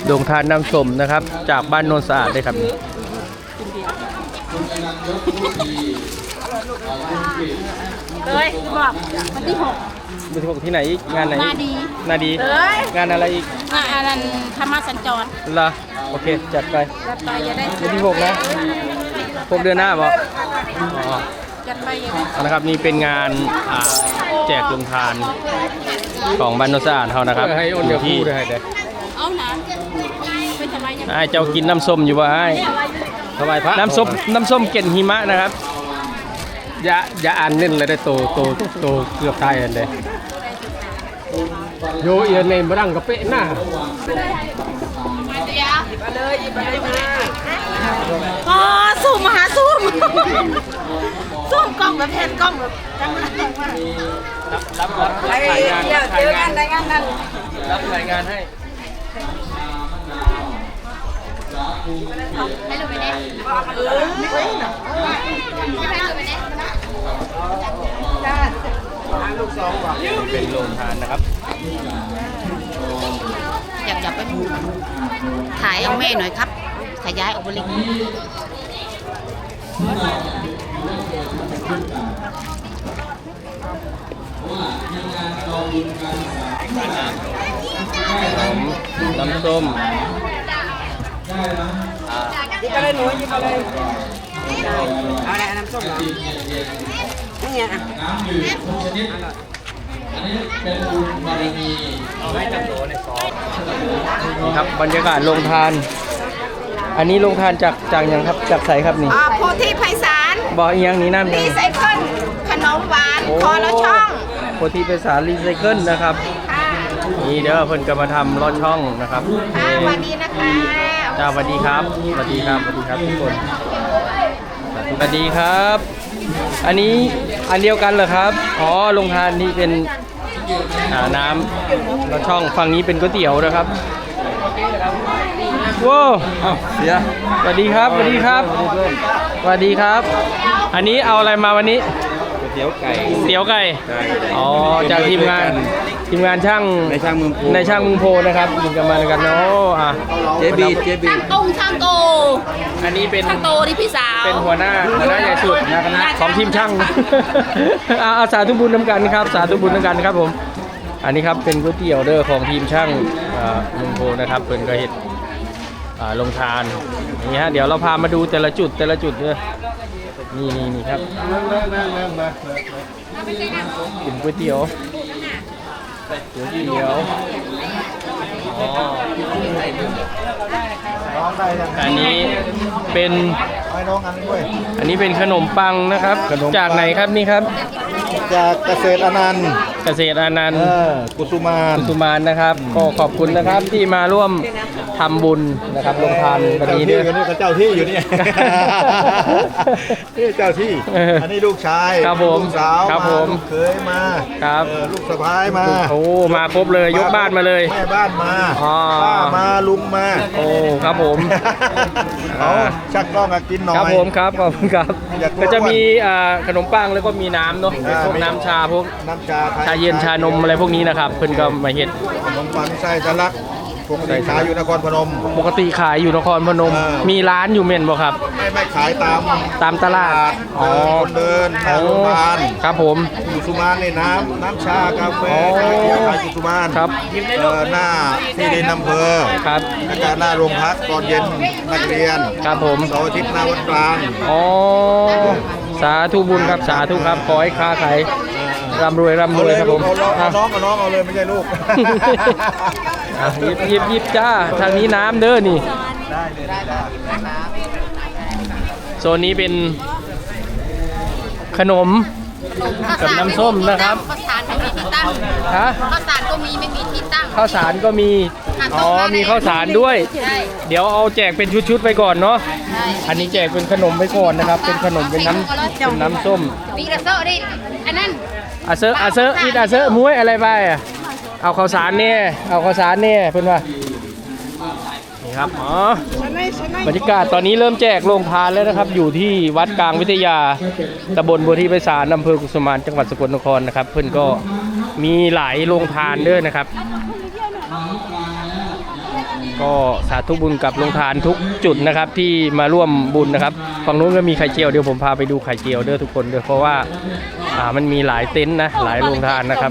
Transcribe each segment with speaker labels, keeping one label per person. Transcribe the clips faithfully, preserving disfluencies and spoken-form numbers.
Speaker 1: โรงทานน้ำส้มนะครับจากบ้านโนนสะอาดเลยครับ
Speaker 2: เลยบอกวันที่หก
Speaker 1: วันที่หกที่ไหนอีกงานไหน
Speaker 2: นาดี
Speaker 1: นาดีงานอะไรอีก
Speaker 2: งานอะไรธรรมสัญจร
Speaker 1: ล่ะโอเคจัดไป
Speaker 2: จัดไปจะได้
Speaker 1: วันที่หกนะหกเดือนหน้าบอกอ๋อ
Speaker 2: จัดไปจะได้
Speaker 1: นะครับนี่เป็นงานแจกโรงทานของบ้านโนนสะอาดเขานะครับอยู่ที่
Speaker 2: เอานะไปทำไมยัง
Speaker 1: ไอ้เจ้ากินน้ำส้มอยู่วะไอ้
Speaker 3: ถวายพระ
Speaker 1: น้ำส้มน้ำส้มเกล็ดหิมะนะครับ
Speaker 3: อย่าอย่าอ่านเล่นเลยได้โตโตโตเกือบตายเลยโยเอียนในมาดังกระเป๊ะหน้า
Speaker 2: อ๋อซูมมาหาซูมซูมกล้องแบบแผ่นกล้องแบบจังเลย
Speaker 1: รับรับรับรายงาน
Speaker 2: เดี๋ยวเจอกันรายงานกัน
Speaker 1: รับรายงานให้
Speaker 2: ให้ลูกไปเน่
Speaker 1: เป็นโรงทานนะครับ
Speaker 2: อยากจับไปถ่ายเอาแม่หน่อยครับขยายออกไปเลย
Speaker 1: น้ำส้ม
Speaker 4: ยิบมาเลยหนูยิบมาเลยเอาอะไรน้ำส้มเหรอนี่ไงอ่ะน้ำดื่มทุกชนิดอันนี้เป็นบุญบารมี
Speaker 1: เอาให้จับโตในซองนี่ครับบรรยากาศโรงทานอันนี้โรงทานจากจากยังครับจากใสครับนี่
Speaker 2: โพธิไพศาล
Speaker 1: บอกอีกอย่างนี้น้ำ
Speaker 2: รีไซเคิลขนมหวานคอละช่อง
Speaker 1: โพธิไพศาลรีไซเคิลนะครับนี่เด้อเพิ่นก็มาทำลอดช่องนะครับ
Speaker 2: สวัสดีนะคะ
Speaker 1: จ้าสวัสดีครับสวัสดีครับสวัสดีครับทุกคนสวัสดีครับ อันนี้อันเดียวกันเหรอครับอ๋อโรงทานนี่เป็นน้ำลอดช่องฝั่งนี้เป็นก๋วยเตี๋ยวนะครับว้าวเดี๋ยวสวัสดีครับสวัสดีครับสวัสดีครับอันนี้เอาอะไรมาวันนี้
Speaker 3: เตี๋ยวไก่
Speaker 1: เตี๋ยวไก่อ๋อจากทีมงานทีมงานช่าง
Speaker 3: ในช่างเมืองโพ
Speaker 1: ในช่างเมืองโพนะครับยิงกันมากันเนาะอ่ะ
Speaker 3: เจบีเจบี
Speaker 2: ช่างตงช่างโต
Speaker 1: อันนี้เป็น
Speaker 2: ช่างโตที่พี่สาว
Speaker 1: เป็นหัวหน้าหัวหน้าใหญ่สุดของทีมช่างอาสาธุบุญน้ำกันครับสาธุบุญน้ำกันครับผมอันนี้ครับเป็นก๋วยเตี๋ยวเด้อของทีมช่างเมืองโพนะครับเป็นกระเห็ดลงทานนี่ฮะเดี๋ยวเราพามาดูแต่ละจุดแต่ละจุดเลยนี่นี่นี่ครับกินก๋วยเตี๋ยวก๋วยเตี๋ยวอ๋ออันนี้เป็นอันนี้เป็นขนมปังนะครับจากไหนครับนี่ครับ
Speaker 3: จากเกษตรอนันต์
Speaker 1: เกษตรอนันต์
Speaker 3: กุสุมาน
Speaker 1: กุสุมานนะครับก็ขอบคุณนะครับที่มาร่วมทำบุญนะครับลงทานวันนี้ด้วย
Speaker 3: นี่เจ้าที่อยู่นี่นี่เจ้าที่อันนี้ลูกชาย
Speaker 1: ครับผม
Speaker 3: ลูกสาว
Speaker 1: ครับผม
Speaker 3: เคยมา
Speaker 1: ครับ
Speaker 3: ลูกสะพ้ายมา
Speaker 1: โอ้มาครบเลยยกบ้านมาเลย
Speaker 3: แม่บ้านมาป้ามาลุงมา
Speaker 1: โอ้ครับผม
Speaker 3: เอาชักกล้องกินหน่อย
Speaker 1: ครับผมครับขอบคุณครับก็จะมีขนมปังแล้วก็มีน้ำเนาะพวกน้ำชาพวก
Speaker 3: น้ำชา
Speaker 1: ชาเย็นชานมอะไรพวกนี้นะครับเพิ่นก็มาเฮ็ด
Speaker 3: ขนมปังไส้ทะลักปกติขายอยู่นครพนม
Speaker 1: ปกติขายอยู่นครพนมมีร้านอยู่เม่นบ่ครับ
Speaker 3: ไม่ไม่ขายตาม
Speaker 1: ตามตลาด
Speaker 3: อ๋อคนเดินหน้าโรงพยาบาล
Speaker 1: ครับผม
Speaker 3: กุสุมานในน้ำน้ำชากาแฟขายขายกุสุมาน
Speaker 1: ครับ
Speaker 3: หน้าที่ดินอำเภอ
Speaker 1: ครับ
Speaker 3: แล้วก็หน้าโรงพักตอนเย็นนักเรียน
Speaker 1: ครับผม
Speaker 3: เสาร์อาทิตย์หน้าวัดกลาง
Speaker 1: อ๋อสาธุบุญครับสาธุครับขอให้ค้าขายร่ำรวยร่ำรวยครับผม
Speaker 3: น้องกับน้องเอาเลยไม่ใช่ลูก
Speaker 1: หยิบหยิบหยิบจ้าทางนี้น้ำเด้อนี่
Speaker 3: ได้เลยได้
Speaker 1: โซนนี้เป็นขนมกับน้ำส้มนะครับ
Speaker 2: ข้าวสารไม่มีที่ตั้ง
Speaker 1: ฮะ
Speaker 2: ข้าวสารก็มีไม่มีที่ตั้ง
Speaker 1: ข้าวสารก็มีอ๋อมีข้าวสารด้วยเดี๋ยวเอาแจกเป็นชุดๆไปก่อนเนาะอันนี้แจกเป็นขนมไปก่อนนะครับเป็นขนมเป็นน้ำเป็นน้ำส้ม
Speaker 2: มีกระเซาะดิอันนั้น
Speaker 1: อาเซอร์อาเซอร์อีดอาเซอร์มุ้ยอะไรไปอ่ะเอาข้าวสารเนี่ยเอาข้าวสารเนี่ยเพื่อนว่านี่ครับอ๋อบรรยากาศตอนนี้เริ่มแจกโรงทานแล้วนะครับอยู่ที่วัดกลางวิทยาตำบลบัวที่ไพศาลอำเภอกุสุมานจังหวัดสกลนครนะครับเพื่อนก็มีหลายโรงทานด้วยนะครับก็สาธุบุญกับโรงทานทุกจุดนะครับที่มาร่วมบุญนะครับฝั่งนู้นก็มีไข่เจียวเดี๋ยวผมพาไปดูไข่เจียวเด้อทุกคนเด้อเพราะว่าอ่ามันมีหลายเต็นท์นะหลายโรงทานนะครับ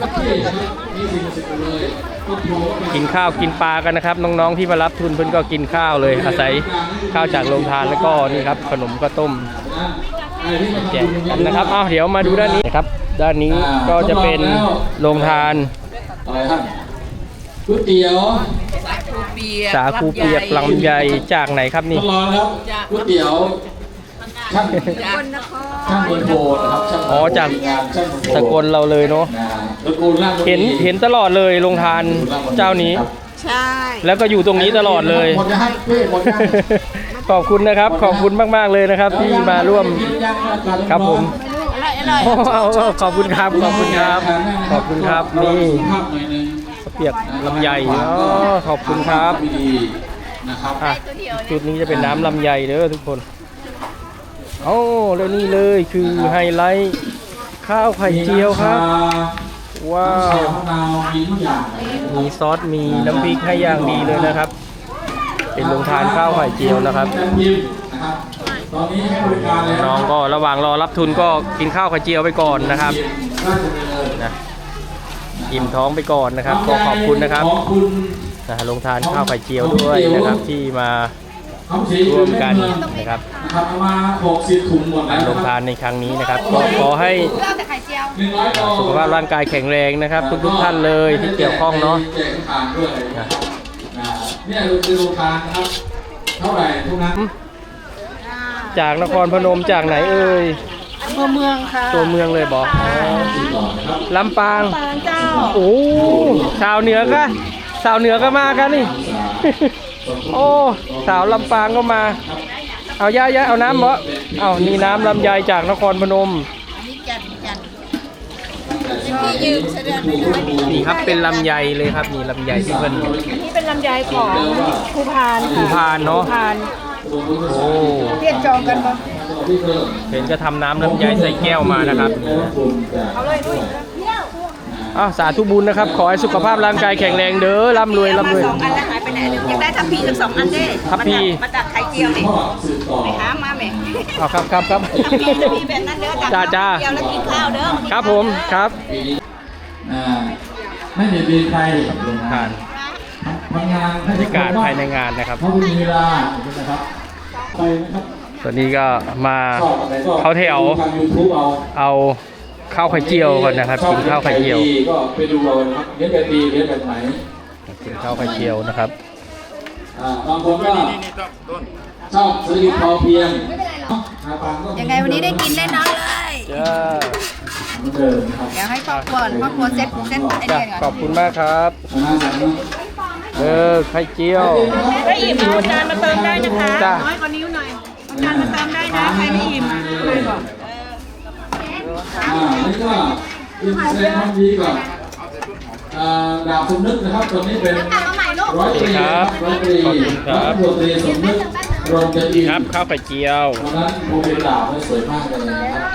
Speaker 1: กินข้าวกินปลากันนะครับน้องๆที่มารับทุนเพิ่นก็กินข้าวเลยอาศัยข้าวจากโรงทานแล้วก็นี่ครับขนมข้าวต้มแจกกันนะครับเอาเดี๋ยวมาดูด้านนี้นะครับด้านนี้ก็จะเป็นโรงทาน
Speaker 5: อะไรครับก๋วยเตี๋ยว
Speaker 1: สาคูเปียกลำไยจากไหนครับนี่
Speaker 5: ต้องรอนะครับก๋วยเตี๋ยวช่างช่างบนโบนะครับช่าง
Speaker 1: อ๋อจาก
Speaker 5: งานช่างบนโบ
Speaker 1: สกลเราเลยเนาะ
Speaker 5: นะตระกูลล่างบน
Speaker 1: เห็นเห็นตลอดเลยโรงทานเจ้านี้
Speaker 2: ใช่
Speaker 1: แล้วก็อยู่ตรงนี้ตลอดเลย
Speaker 5: หมดจะให้เป้หมดยัง
Speaker 1: ขอบคุณนะครับขอบคุณมากๆเลยนะครับที่มาร่วมครับผม
Speaker 2: อร่อยอร่อย
Speaker 1: โอ้เอาเอาขอบคุณครับขอบคุณครับขอบคุณครับนี่
Speaker 5: ภาพหน่อยหนึง
Speaker 1: เปียกลำไยอ๋อขอบคุณครับ
Speaker 5: ดีๆนะครับ
Speaker 1: อ่ะจุดนี้จะเป็นน้ำลำไยเด้อทุกคนโอ้แล้วนี่เลยคือไฮไลท์ข้าวไข่เจียวครับว้า
Speaker 5: น้ำชาว มะนาวมีทุกอย่าง
Speaker 1: มีซอสมีน้ำพริกให้อย่างดีเลยนะครับ เป็นโรงทานข้าวไข่เจียวนะครับ
Speaker 5: น้ำจิ้มนะครับตอนนี้ให้บริการแล้ว
Speaker 1: น้องก็ระหว่างรอรับทุนก็กินข้าวไข่เจียวไปก่อนนะครับ
Speaker 5: ราชดำเนิน
Speaker 1: นะอิ่มท้องไปก่อนนะครับก็ขอบคุณนะครับ
Speaker 5: ขอบคุณ
Speaker 1: นะโรงทานข้าวไข่เจียวด้วยนะครับที่มา
Speaker 5: คำศรี
Speaker 1: ร่วมกันนะครับ
Speaker 5: นะครับเอามาหกสิบถุงหมดแล้ว
Speaker 1: โรงทานในครั้งนี้นะครับก็ขอให้
Speaker 5: หนึ่งร้อยกล่อง
Speaker 1: สุขภาพร่างกายแข็งแรงนะครับ ทุกๆท่านเลยที่เกี่ยวข้องเนาะ
Speaker 5: แจกทานด้วยนะครับอ่าเนี่ยคือโรงทานนะครับเท่าไหร่ทุกนั้น
Speaker 1: จากนครพนมจากไหนเอ่ย
Speaker 2: อำเภอเมืองค่ะ
Speaker 1: ตัวเมืองเลยบอกอ๋อ
Speaker 5: ต่อนะครับ
Speaker 1: ลำปาง
Speaker 2: ปางเจ้า
Speaker 1: โอ้สาวเหนือก็สาวเหนือก็มากันนี่ โอ้สาวลำปางก็มา เอาย่าย่าเอาน้ำบ่เอานี่น้ำลำไยจากนครพนม
Speaker 2: นี่จันจันที่ยืมเสด็จไปเลย
Speaker 1: นี่ครับเป็นลำไยเลยครับนี่ลำไยที่เพิ่น
Speaker 2: นี่เป็นลำไยของภูพานค่ะ
Speaker 1: ภูพานเนอะ
Speaker 2: ภูพาน
Speaker 1: โอ้
Speaker 2: เรียกจองกันปะ
Speaker 1: เห็นจะทำน้ำลำไยใส่แก้วมานะครับนี่นะ
Speaker 2: เอาเลยด้วย
Speaker 1: อ้าวสาธุบุญนะครับ ขอให้สุขภาพร่างกายแข็งแรงเด้อร่ำรวยร่ำรวย
Speaker 2: สองอันแล้วหายไปไหนเลยอยากได้ทัพพีทั้งสองอันเด้
Speaker 1: ทัพพี
Speaker 2: มาตักไข่เจียวดิ
Speaker 5: พ่อสืบต่อ
Speaker 2: ไปหามาแม่
Speaker 1: เอาครับครับครับ
Speaker 2: ทัพพีแบบนั้นเด้อตัก
Speaker 1: จ้าจ้า
Speaker 2: ไข่เจียวแล้วกินข้าวเด้อ
Speaker 1: ครับผมครับ
Speaker 5: ปีนี้อ่าไม่เบียดเบียนใครกับโรงทา
Speaker 1: ผ่าน น
Speaker 5: ทำงานให้
Speaker 1: บรรยากาศภายในงานนะครับ
Speaker 5: เพราะคุณมีเวลานะครับไปนะครับ
Speaker 1: ตอนนี้ก็มา
Speaker 5: ชอบอะไรก็
Speaker 1: เขาแถว
Speaker 5: ทาง YouTube เอา
Speaker 1: เอาข้าวไข่เจียวก่อนนะครับ กินข้าวไข่เจียว
Speaker 5: ดีก็ไปดูเอานะครับเลี้ยงแบบดีเลี้ยงแบบไหน
Speaker 1: กินข้าวไข่เจียวนะครับ
Speaker 5: อ่าบางคนก็ชอบเศรษฐกิจพอเพียงหาปางก็
Speaker 2: ยังไงวันนี้ได้กินแน่นอนเลย
Speaker 1: จ้า
Speaker 5: เหมือนเดิมนะครับ
Speaker 2: เดี๋ยวให้ครอบครัวครอบครัวเซ็ตเซ็ตไอ้
Speaker 1: จ้า
Speaker 2: เนี่ย
Speaker 1: ขอบคุณมากครับ
Speaker 5: ชนะสังนะ
Speaker 1: เออไข่เจียว
Speaker 2: ถ้าอิ่มเอาจานมาเติมได้นะคะ
Speaker 1: จ้า
Speaker 2: น้อยกว่านิ้วหน่อยเอาจานมาเติมได้นะใครไม่อิ่มอ่ะไม่บอก
Speaker 5: อ่านี่ก็อินแสดงความดีกับอ่าดาบสมนึกนะครับตัวนี้เป็นร้อยตรี
Speaker 1: ครับ
Speaker 5: ร้อยตรี
Speaker 1: ขอบคุณครับ
Speaker 5: ร้อยตรีสมนึกรองจะดี
Speaker 1: ครับข้าวไข่เจียว
Speaker 5: วันนั้นผมเป็นดาบได้สวยมากเลยนะครับ